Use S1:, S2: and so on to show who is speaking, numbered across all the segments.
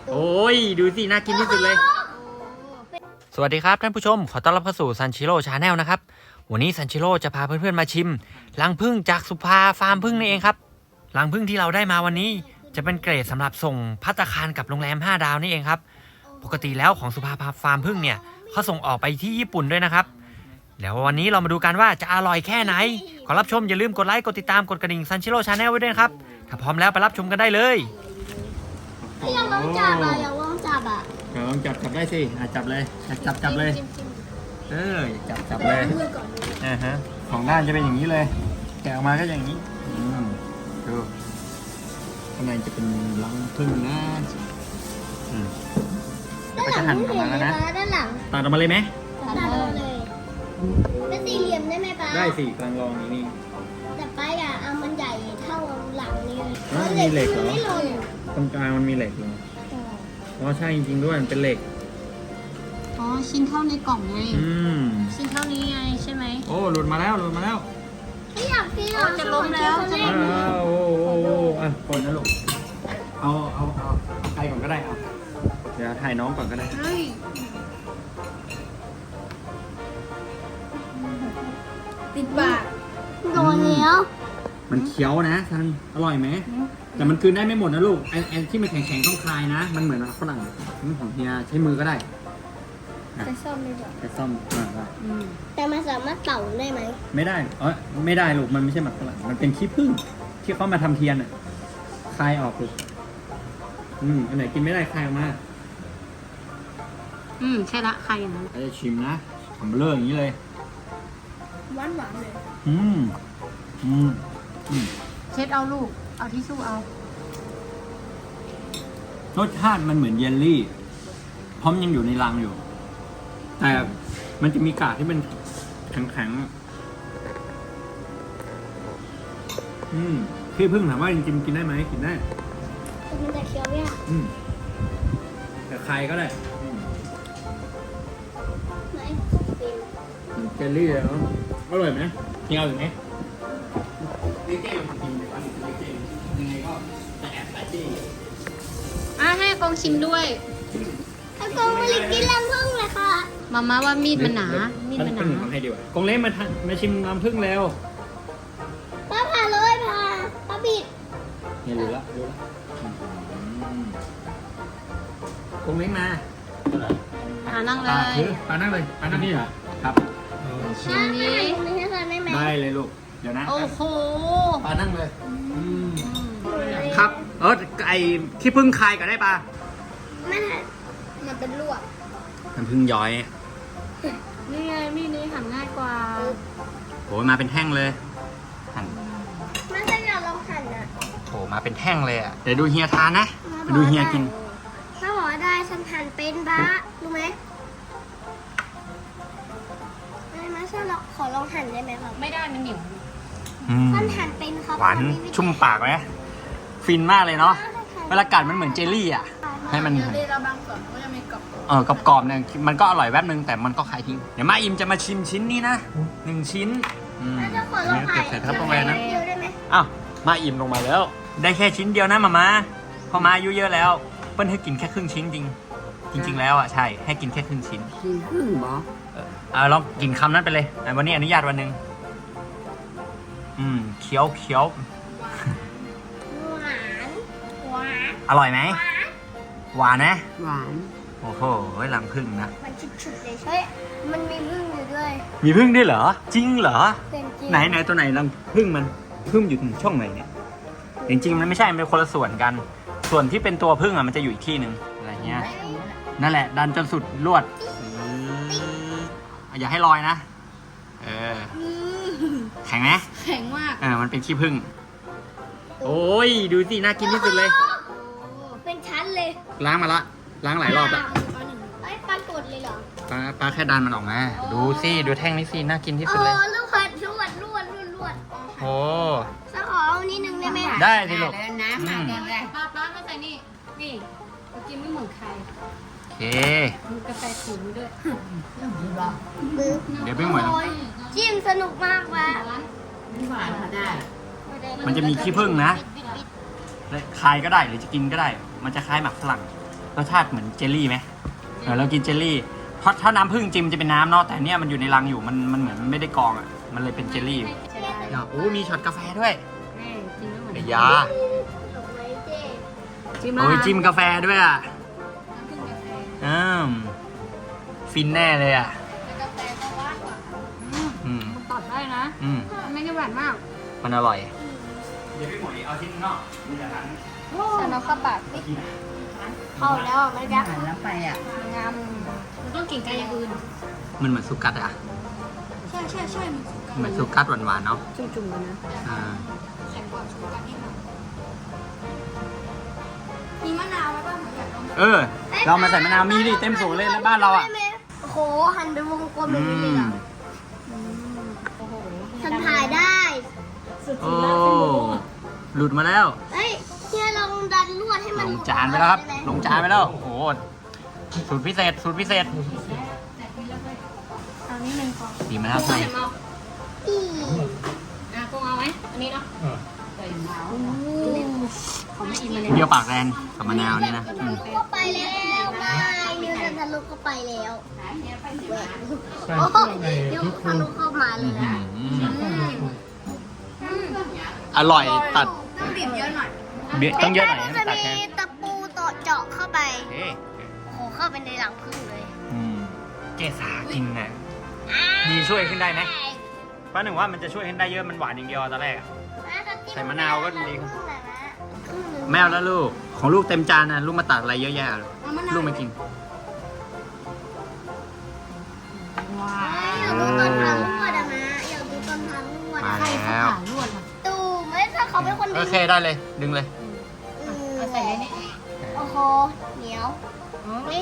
S1: โอ้ยดูสิน่ากินที่สุดเลยสวัสดีครับท่านผู้ชมขอต้อนรับเข้าสู่ซันชิโร่ชาแนลนะครับวันนี้ซันชิโร่จะพาเพื่อนๆมาชิมรังผึ้งจากสุภาฟาร์มผึ้งนี่เองครับรังผึ้งที่เราได้มาวันนี้จะเป็นเกรดสำหรับส่งภัตตาคารกับโรงแรม5 ดาวนี่เองครับปกติแล้วของสุภาฟาร์มผึ้งเนี่ยเขาส่งออกไปที่ญี่ปุ่นด้วยนะครับเดี๋ยววันนี้เรามาดูกันว่าจะอร่อยแค่ไหนขอรับชมอย่าลืมกดไลค์กดติดตามกดกระดิ่งซันชิโร่ชาแนลไว้ด้วยครับถ้าพร้อมแล้วไปรับชมกันได้เลย
S2: พี่ยังลองจับอ่ะยังลองจับอ่ะ
S1: ลองจับได้สิจับเลยจับเลยจับเลยของด้านจะเป็นอย่างนี้เลยแกะออกมาก็อย่างนี้ดูข้างในจะเป็นรังผึ้งนะเดี๋ยวก็จะหั่นออกมาแล้วนะ
S2: ด้านหลัง
S1: ตัดออกมาเลยไหม
S2: ตัดออกมาเลยเป็นสี่เหลี่ยมได้ไหมป้า
S1: ได้สิกลางรองนี่
S2: แต่ป้าอยากเอามันใหญ่เท่าหลังนี้เลย
S1: มีเหล็กเหรอ
S2: ไม่ลง
S1: ตรงกลางมันมีเหล็กเหรออ๋อใช่จริงๆด้วยมันเป็นเหล็ก
S3: อ๋อชิ้นเท่าในกล่องไงชิ้นเท่านี้ไงใช่ไหม
S1: โอ้หลุดมาแล้ว
S2: พี่อยาก
S3: จะล้มแล้ว
S1: โอ้ก่อนนะลูกเอาใครก่อนก็ได้เอาเดี๋ยวถ่ายน้องก่อนก็ได้
S2: ติดปากโดนแล้ว
S1: มันเคี้ยวนะท่านอร่อยไหมแต่มันคืนได้ไม่หมดนะลูกไอ้ที่มันแข็งๆต้องคลายนะมันเหมือนฝรั่งของเฮียใช้มือก็ได้
S2: ใช้ซ่อมได้ด้วย
S1: ใช้ซ่อมได้
S2: แต่มันสามารถเป่าได้ไหม
S1: ไม่ได้ไม่ได้ลูกมันไม่ใช่หมักฝรั่งมันเป็นขี้ผึ้งที่เขามาทำเทียนอ่ะคลายออกลูกอันไหนกินไม่ได้คลายออกมา
S3: ใช่ละคลายอย่างนั้น
S1: จะชิมนะทำเบลออย่างนี้เลย
S2: หวานเลย
S3: เช็ดเอาลูกเอาทิชชู่เอา
S1: รสชาติมันเหมือนเยลลี่เพราะมันยังอยู่ในรังอยู่แต่มันจะมีกากที่มันแข็งขี้ผึ้งถามว่าจริงๆกินได้ไหมกินได้
S2: มันจะเคี้ยวยาก
S1: แต่ใครก็ได้
S2: ไหน
S1: เจลลี่แล้วอร่อยไหมกินเอาหรือไหมนี่เจ๊มันกินแต่ว่าเจ๊ยังไงก็จะแอบใส่เจ๊
S3: ให้กองชิมด้วย
S2: กองมาลิกินรังผึ้งเลยค่ะ
S3: มาว่ามีดมันหนา
S1: ให้ดีกว่ากงเล่มาชิมน้ำผึ้งแล้ว
S2: ป้าผ่าเลยป้าบิด
S1: เนี่ยรู้ละกงเล้งมา
S3: นั่งเลย
S1: ปานั่งนี่เหรอครับ
S3: ชิมดิ
S1: ได้เลยลูกเดี๋ยวนะ
S3: โอ้โห
S1: ปานั่งเลยครับไอขี้ผึ้งคายก็ได้ปะ
S2: มันเป็นลวก
S1: น้ำผึ้งย้อย
S3: นี่ไงมีดนี้หั่นง่ายกว่า
S1: โหมาเป็นแท่งเลยหั่น
S2: ไม่ใช่เราลองหั่นอ่ะ
S1: โหมาเป็นแท่งเลยอ่ะเดี๋ยวดูเฮียทานนะดูเฮียกิน
S2: ถ้าบอกได้ฉันหั่นเป็นบ้ารู้ไหมไม่ใช่เราขอลองหั่นได้ไหมครับ
S3: ไม่ได้มันเหนียว
S2: ฉันหั่นเป็นครับ
S1: หวานชุ่มปากไหมฟินมากเลยเนาะเวลากัดมันเหมือนเจลลี่อ่ะให้มัน
S3: เราบางส่วนก็จะมีกรอบ
S1: กรอบเนี่ยมันก็อร่อยแวบนึงแต่มันก็คายทิ้งเดี๋ยวมาอิมจะมาชิมชิ้นนี้นะ1 ชิ้นเก็บใส่ทัพเปอร์แวร์นะอ้าวมาอิมลงมาแล้วได้แค่ชิ้นเดียวนะมาพอมาอายุเยอะแล้วเปิ้ลให้กินแค่ครึ่งชิ้นจริงแล้วอ่ะใช่ให้กินแค่ครึ่งชิ้น
S3: ครึ่งหรอ
S1: ลองกินคำนั้นไปเลยวันนี้อนุญาตวันนึงเคี้ยว
S2: หวาน
S1: อร่อยไหมหวานนะ
S3: หวาน
S1: โอ้โหรังผึ้งนะ
S2: มันฉุดๆเลยเฮ้ยมันมีผึ้งอยู่ด้วย
S1: มีผึ้งด้วยเหรอจริงเหรอไหนตัวไหนรังผึ้งมันผึ้งอยู่ช่องไหนเนี่ยจริงๆมันไม่ใช่มันเป็นคนละส่วนกันส่วนที่เป็นตัวผึ้งมันจะอยู่อีกที่หนึ่งอะไรเงี้ยนั่นแหละดันจนสุดลวดอย่าให้ลอยนะแข็งไหม
S3: แข็งมาก
S1: มันเป็นขี้ผึ้งโอ้ยดูสิน่ากินที่สุดเลย
S2: เป็นชั้นเลย
S1: ล้างมาละล้างหลายรอบแล้ว
S2: ปลากดเลยเหรอ
S1: ปลาแค่ดันมันออกมาดูสิดูแท่งนี้สิน่ากินที่สุดเลย
S2: ลูกผัดลวด
S1: โอ้
S2: จะขอเอานิดนึงได้ไหม
S1: ได้สิลูก
S3: น้ำป้าไม่ใส่นี่กินไม่เหมือนใคร
S1: โอเค
S3: มีกาแฟถุงด้วย
S1: เดี๋ยวไม่เหมือน
S2: จิ้มสนุกมากว่ะ
S3: หวานได้
S1: มันจะมีขี้ผึ้งนะคายก็ได้หรือจะกินก็ได้มันจะคล้ายหมักฝรั่งผรสชาติเหมือนเจลลี่ไหมเรากินเจลลี่เพราะถ้าน้ำผึ้งจริมจะเป็นน้ำเนาะแต่เนี่ยมันอยู่ในรังอยู่มันเหมือนไม่ได้กรองอ่ะมันเลยเป็นเจลลี่
S3: ใช่ได้
S1: โอ้มีช็อตกาแฟด้วย
S3: แม่จริงแล้วเหมือน
S1: ไอ้ยา
S2: ดอกไม้เจ๊
S3: จิ้ม
S1: โอ้ยจิ้มกาแฟด้วยอ่ะ
S3: น้ำผึ้งกาแฟ
S1: ฟินแน่เลยอ่ะ
S2: กาแฟก็หวานกว่า
S3: มันตัดได้นะมันไม่ได้หวานมาก
S1: มันอร่อยเดี๋ยวพี่หมวยเอาชิ้นนอกมีแต่นั้น
S2: ฉันเอาเข้าปากสิเข้าแล้วไม่ได้
S3: หันแล้วไปอ่ะ
S2: งาม
S3: มันต้องกินกับอย่างอื่น
S1: มันเหมือนสุกัดอ่ะ
S2: ใช่
S1: เหมือนสุกัดหวานๆเนาะ
S3: จุ่มๆกันนะ
S1: อ่า
S2: แข็งกว่าชูการ์นิดหน่อยมีมะนาวไหมบ้างเหมือนอยากลอง
S1: เรามาใส่มะนาวมีดิเต็มสวนเลยในบ้านเราอ่ะ
S2: โอ้โหหั่นเป็นวงกลมแบบนี้เลยเหรอ
S3: โอ้โห
S2: ฉันถ่ายได้
S1: โอ้หลุดมาแล้ว
S2: เฮ้ยเฮียลองดันลวดให้มัน
S1: ลงจานไปแล้วครับ ลงจานไปแล้ว โอ้โห สูตรพิเศษ สูตรพิเศษ
S3: เอานิดนึงพอ
S1: ดีมะนาวใส่
S2: อี
S3: กุ้งเอาไหมอันนี้เนาะใส่มะนาวของแม่อิมมาเลย
S1: เปรี้ยวปากแดงกับมะนาวนี่นะ
S2: ก็ไปแล้วไม่นิวจะทะลุก็ไปแล้วโอ้โหนิวทะลุเข้ามาเลยนะ
S1: อร่อยตัด
S2: ต้องบีบเยอะหน่อย
S1: ต้องเยอะหน่อยให้
S2: จะ
S1: มันตัด
S2: มี
S1: แค่
S2: ตะปูต่อเจาะเข้าไป
S1: เอ๊ะ
S2: โอ้โหเข้าไปในหลังพึ่งเลย
S1: เกสากินน่ะมีช่วยขึ้นได้ไหมป้าหนึ่งว่ามันจะช่วยขึ้นได้เยอะ มันหวานอย่างเดียวตอนแรกอะ ใส่มะนาวก็ดี แมวแล้วลูก ของลูกเต็มจานนะลูกมาตักอะไรเยอะแยะเลยลูกไม่กิน
S3: ว้า
S2: อยากดูตอนทำลวดอะนะอยากดูตอนทำลวด
S1: มา
S2: อะ
S1: แล้ว
S3: ลวดล่ะ
S2: ตูไม่ถ้าเขาเป็นคน
S1: โอ
S2: ดี
S1: เคได้เลย ดึงเลย
S3: เอาใส่เลยนี่
S2: โอ้โหเหนียวนี่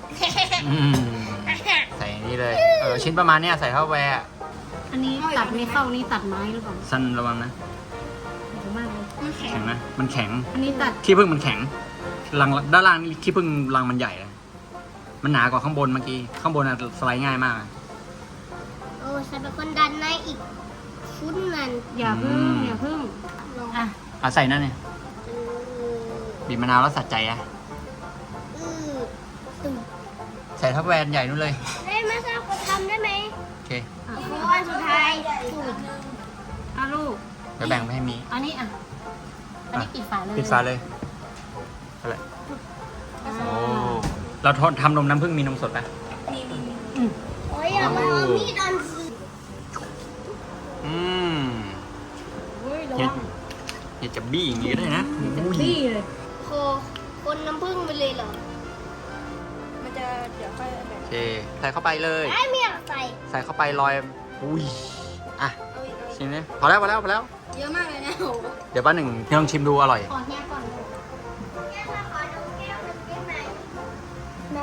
S1: ใส่นี่เลย ชิ้นประมาณเนี้ยใส่เข้าไปอะ
S3: อันนี้ตัดไม่เข้านี่ตัดไม้หรือเปล่า
S1: สั้นระวังนะ
S3: เยอะมากเลย
S2: มันแข็ง
S1: แข็งนะ มันแข็ง
S3: อันนี้ตัด
S1: ขี้ผึ้งมันแข็งรังด้านล่างนี่ขี้ผึ้งรังมันใหญ่เลยมันหนากว่าข้างบนเมื่อกี้ ข้างบนอะสไลด์ง่ายมาก
S2: โอ้ฉันเป็นคนดันในอีกชุดนั้น
S3: อย่าพึ่งอย่าพึ่งอ่ะ
S1: ใส่นั่นเนี่ยบีบมะนาวแล้วสัดใจอะ
S2: อือตุ่ม
S1: ใส่ทับแวนใหญ่นู่นเลย
S2: ได้ไหมคะคนทำได้ไหม
S1: โอเค
S2: เพราะว่าสุดท้ายถูก
S3: เอาลูก
S1: เดี๋ยวแบ่งไปให้มี
S3: อันนี้อ่ะ อันนี้ปิดฝาเลย
S1: ปิดฝาเลยอะไร
S3: อ่า
S1: โอ้เราทำนมน้ำผึ้งมีนมสดไหม
S2: โอ้ยอย่ามาเอามีดอันสิ
S1: อืม
S3: เฮ้ยระ
S1: อย่า
S3: วัง
S1: อย่าจะบี้อย่างนี้ก็ได้นะ
S3: บี้เลย
S2: โคคนน้ำผึ้งไปเลยเหรอ มันจะเดี๋ยวค่อยแบบ
S1: โอเค ใส่เข้าไปเลย
S2: ไอ้เมียใส่
S1: ใส่เข้าไปลอย อุ้ย อ่ะ ชิมเลยพอแล้ว
S2: เยอะมากเลยนะโห
S1: เดี๋ยวป้าหนึ่งลองชิมดูอร่อย
S3: ขอเฮียก่อนลูก
S2: แก้วขอดูแก้วหนึ่งได้ไหมได้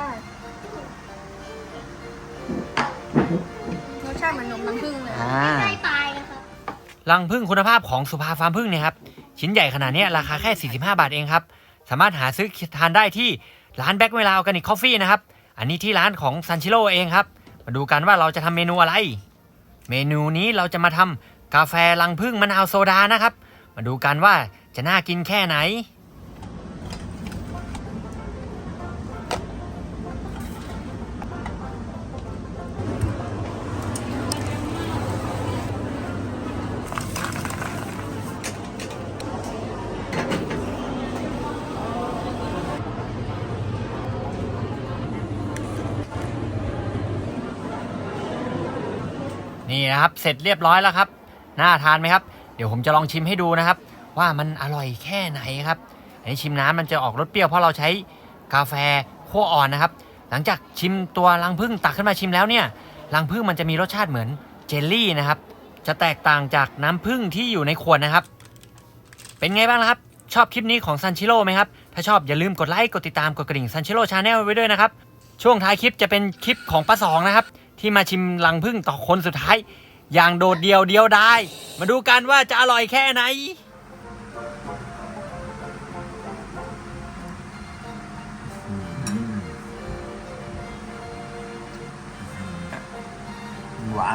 S2: รสชาติเหมือนนมน้ำผึ้งเลย ใกล้ตายนะครับ
S1: รังผึ้งคุณภาพของสุภาฟาร์มผึ้งเนี่ยครับ ชิ้นใหญ่ขนาดนี้ราคาแค่ 45 บาทเองครับ สามารถหาซื้อทานได้ที่ร้านแบ็คเวลาออร์แกนิกคอฟฟี่นะครับ อันนี้ที่ร้านของซันชิโร่เองครับ มาดูกันว่าเราจะทำเมนูอะไร เมนูนี้เราจะมาทำกาแฟรังผึ้งมะนาวโซดานะครับ มาดูกันว่าจะน่ากินแค่ไหน นี่นะครับเสร็จเรียบร้อยแล้วครับน่าทานไหมครับเดี๋ยวผมจะลองชิมให้ดูนะครับ ว่ามันอร่อยแค่ไหนครับอันนี้ชิมน้ำมันจะออกรสเปรี้ยวเพราะเราใช้กาแฟคั่วอ่อนนะครับ หลังจากชิมตัวรังผึ้งตักขึ้นมาชิมแล้วเนี่ยรังผึ้งมันจะมีรสชาติเหมือนเจลลี่นะครับจะแตกต่างจากน้ำผึ้งที่อยู่ในขวดนะครับ เป็นไงบ้างครับชอบคลิปนี้ของซันชิโร่ไหมครับถ้าชอบอย่าลืมกดไลค์กดติดตามกดกระดิ่งซันชิโร่ชาแนลไว้ด้วยนะครับช่วงท้ายคลิปจะเป็นคลิปของป้าสองนะครับที่มาชิมรังผึ้งต่อคนสุดท้ายอย่างโดดเดียวได้มาดูกันว่าจะอร่อยแค่ไหนหวาน